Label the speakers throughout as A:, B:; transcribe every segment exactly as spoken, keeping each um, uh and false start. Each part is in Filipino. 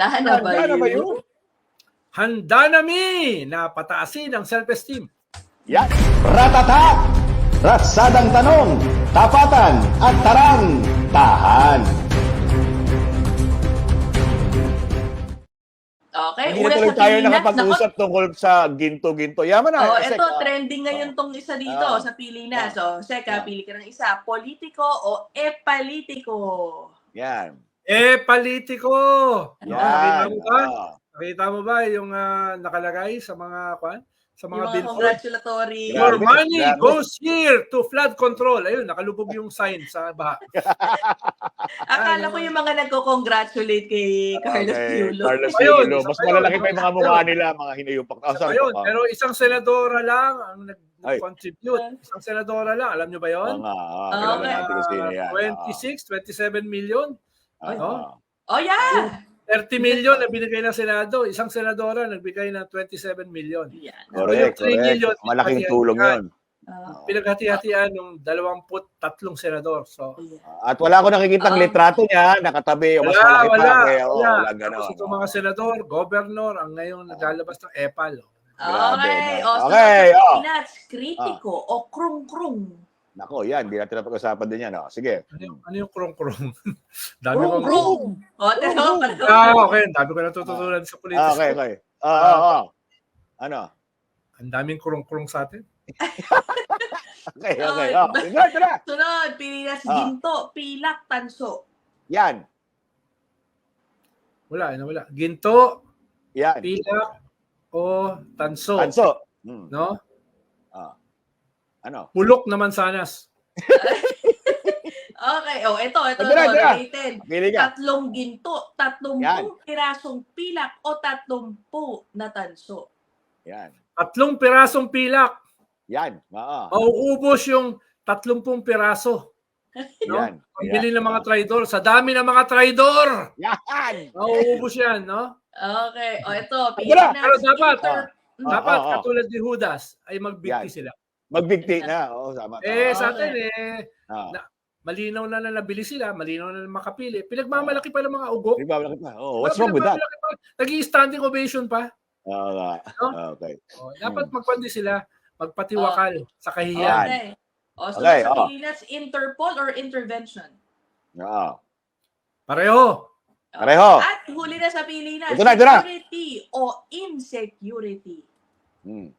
A: Handa na ba
B: Handa na ba
A: yun?
B: yun?
C: Handa na mi na pataasin ang self-esteem.
B: Yan.
D: Ratata! Ratsadang tanong, tapatan at tarang, tahan.
A: Okay,
B: Hindi na
A: una
B: tuloy
A: sa
B: tayo
A: Pilipinas.
B: nakapag-usap tungkol sa ginto-ginto. Yaman na.
A: Oh,
B: Sek,
A: ito,
B: ah.
A: trending ngayon tong isa dito
B: Ah.
A: sa Pilipinas.
B: Ah.
A: Oh, Seka,
B: Ah.
A: pili ka ng isa. Politiko o e-politiko?
B: Yan.
C: Eh, politiko!
B: Yan.
C: Nakita mo ba?
B: Ah.
C: Nakita mo ba yung ah, nakalagay sa mga kwan? Sa
A: Yung
C: mga
A: mga
C: billboard?
A: congratulatory.
C: Your
B: Grabe,
C: money
B: grabe.
C: goes here to flood control. Ayun, nakalubog yung sign sa baha.
A: Akala ko yung mga nagko-congratulate kay Carlos
B: Okay,
A: Yulo.
B: Carlos
C: Ayun,
B: Yulo.
C: isa
B: Mas
C: pa yun.
B: malalaki pa yung mga mukha nila, mga hinayupak. Oh, sorry
C: Ayun,
B: po.
C: pero isang senadora lang ang
B: Ay.
C: nag-contribute. Isang senadora lang. Alam nyo ba
B: Oo
C: yun?
B: nga. ah,
A: Okay.
B: kilala natin kung sino yan.
C: twenty-six, twenty-seven million.
B: Ah,
C: no?
B: ah.
A: Oh, yeah!
C: thirty million na binigay ng Senado. Isang senadora nagbigay ng twenty-seven million.
A: Yan.
B: Correct,
C: three
B: correct.
C: million,
B: Malaking
C: pinagkati-
B: tulong yun.
A: Ah,
C: Pinaghati-hatian ng dalawamput tatlong senador. So,
A: yeah.
B: At wala ko nakikitang
A: Ah.
B: litrato niya, nakatabi. Mas
C: wala,
B: malaki pa.
C: wala.
B: Kaya, oh,
C: wala.
B: wala ganon.
C: Tapos itong mga senador, governor, ang ngayon naglalabas ng EPAL.
B: Grabe,
A: Okay.
B: no?
A: O, so
B: Okay,
A: sa
B: oh.
A: Pilipinas, kritiko o krung-krung?
B: Nako, yan. Hindi natin napag-usapan din yan. Oh. Sige.
C: Ano yung, ano yung krong-krong? Dami kong...
A: Krung-krung! O, tero,
C: Ah, okay. Dami ko natututunan sa politika.
B: Ah, okay, okay. Ah, ah, ah. Ano?
C: Ang daming krong-krong sa atin.
B: Okay, okay.
A: Ay,
B: Oh. Tara, tara.
A: Sunod, Pilipinas,
B: Ah.
A: ginto, pilak, tanso.
B: Yan.
C: Wala, ano wala. Ginto,
B: Yan.
C: pilak, o tanso.
B: Tanso. Hmm.
C: No?
B: Ah. Ano?
C: Pulok na mansanas.
A: Okay, o, ito, ito,
B: Tara,
A: ito,
B: tara.
A: related.
B: Pili ka.
A: Tatlong ginto, tatlong
B: Yan.
A: pirasong pilak, o tatlong po na tanso.
B: Yan.
C: Tatlong pirasong pilak.
B: Yan. Oo.
C: Mauubos yung tatlumpung piraso. No?
B: Yan.
C: Pambili ng mga traidor. Sa dami ng mga traidor.
B: Yan.
C: Mauubos yan, no?
A: Okay, o, ito,
B: Tara.
A: Pilipinas,
C: Pero dapat,
A: inter-
B: Ah,
C: Dapat,
B: ah, ah.
C: katulad ni Judas, ay magbigti
B: Yan.
C: sila.
B: Magbigti na. Oo, tama.
C: Eh,
B: tama.
C: sa atin, eh,
B: Ah.
C: na- malinaw na na nabili sila, malinaw na na makapili. Pinagmamalaki pa ng mga ugok.
B: Di ba, malaki pa? Oh, what's wrong with that?
C: Nag-i-standing ovation pa.
B: Oo nga.
C: No?
B: Okay.
C: Oh, dapat magpandi sila, magpatiwakal sa kahihiyan.
A: Okay. O, so
B: Okay,
A: sa
B: oh.
A: Pilipinas, Interpol or intervention?
B: Oo.
C: Pareho.
B: Pareho.
A: At huli na sa Pilipinas,
B: Ito na, ito na.
A: security o insecurity?
B: Hmm.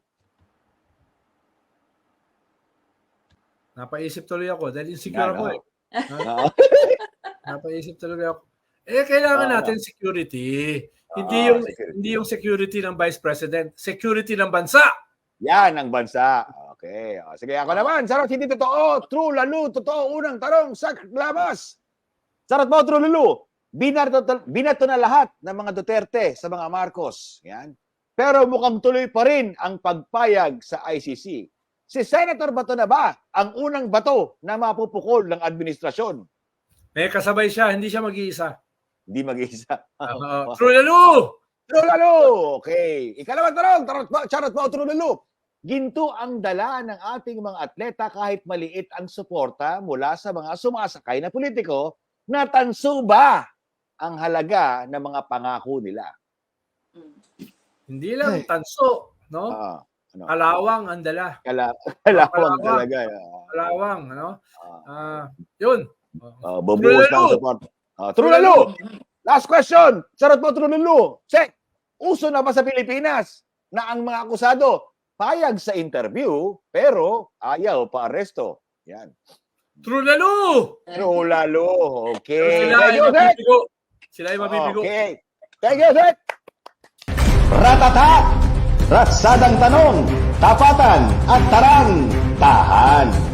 C: Napaisip tuloy ako dahil insecure
B: Yan,
C: ako.
B: oh.
C: Eh.
B: Oo.
C: Napaisip tuloy ako. Eh, kailangan
B: Oo.
C: natin security. Hindi
B: Oo,
C: yung
B: security.
C: hindi yung security ng Vice President, security ng bansa.
B: Yan ang bansa. Okay. O, sige, ako naman. Sarot, hindi totoo. True, lalo. Totoo. Unang tarong sa labas. Sarot mo, true, lalo. Binato, binato na lahat ng mga Duterte sa mga Marcos. Yan. Pero mukhang tuloy pa rin ang pagpayag sa I C C. Si Senator Bato na ba ang unang bato na mapupukol ng administrasyon?
C: May kasabay siya, hindi siya mag-iisa.
B: Hindi mag-isa.
C: Uh, True lalo!
B: True, lalo. Okay. Ikalawang tarong. Tarot mo, charot mo, true, lalo. Ginto ang dala ng ating mga atleta kahit maliit ang suporta mula sa mga sumasakay na politiko na tanso ba ang halaga ng mga pangako nila.
A: Mm.
C: Hindi lang tanso, no?
B: Ah, ano?
C: Kalawang ang dala.
B: Kala, kalawang
C: Kalawang.
B: talaga.
C: Kalawang, ano?
B: Ah,
C: Ah, yun.
B: ah, bubuhos
C: True,
B: ng
C: lalo.
B: support. Ah, true, lalo. Last question. Sarot mo, true, lalo. Check. Uso na ba sa Pilipinas na ang mga akusado payag sa interview pero ayaw pa aresto? Yan.
C: True lalo!
B: True, lalo. Okay.
C: Sila ay
B: Thank you, Sek.
C: mabibigo. Sila ay mabibigo.
B: Okay. Thank you, Sek.
D: Ratata! Ratsadang tanong, tapatan at tarang, tahan.